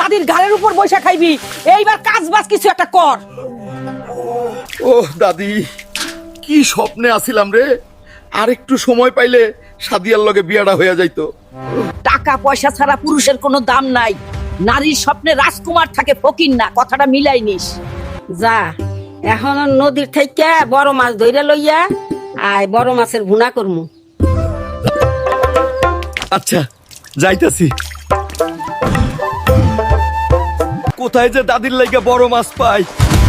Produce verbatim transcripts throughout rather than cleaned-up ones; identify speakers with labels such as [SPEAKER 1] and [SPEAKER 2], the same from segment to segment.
[SPEAKER 1] দাদির গালের উপর বৈশা খাইবি। এইবার কাজ বাজ কিছু একটা কর।
[SPEAKER 2] ও দাদি, কি স্বপ্নে আছিলাম রে। আর একটু সময় পাইলে সাদিয়ার লগে বিয়াটা হইয়া যাইতো।
[SPEAKER 1] টাকা পয়সা ছাড়া পুরুষের কোনো দাম নাই। নারীর স্বপ্নে রাজকুমার থাকে, ফকির না। কথাটা মিলাই নিস।
[SPEAKER 3] যা এখন নদীর থেকে বড় মাছ ধইরা লইয়া আয়, বড় মাছের ভুনা করমু।
[SPEAKER 2] আচ্ছা যাইতাছি। কোথায় যে দাদির লাইগা বড় মাছ পাই।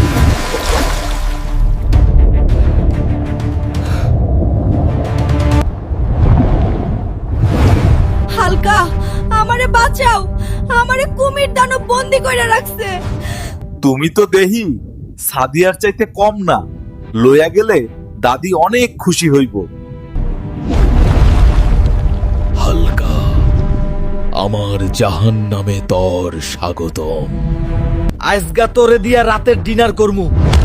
[SPEAKER 4] হালকা, আমারে বাঁচাও, আমারে কুমির দানব বন্দি কইরা রাখছে।
[SPEAKER 5] তুমি তো দেহি সাদিয়ার চাইতে কম না, লইয়া গেলে দাদি অনেক খুশি হইব।
[SPEAKER 6] হালকা, আমার জাহান্নামে তোর স্বাগতম।
[SPEAKER 2] আজগা তোরে দিয়া রাতের ডিনার করমু।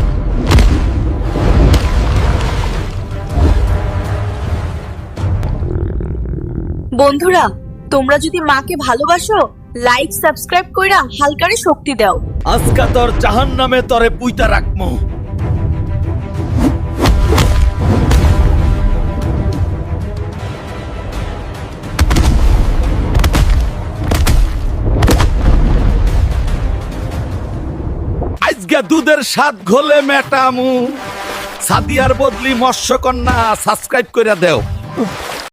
[SPEAKER 4] বন্ধুরা, তোমরা যদি মাকে ভালোবাসো, লাইক সাবস্ক্রাইব কইরা হালকারে শক্তি দাও।
[SPEAKER 2] আজকা তোর জাহান্নামে তরে পুইতা রাখমু। আজকে দুধের স্বাদ ঘোলে মেটামু। সাদিয়ার বদলি মৎস্যকন্যা সাবস্ক্রাইব করে দেও।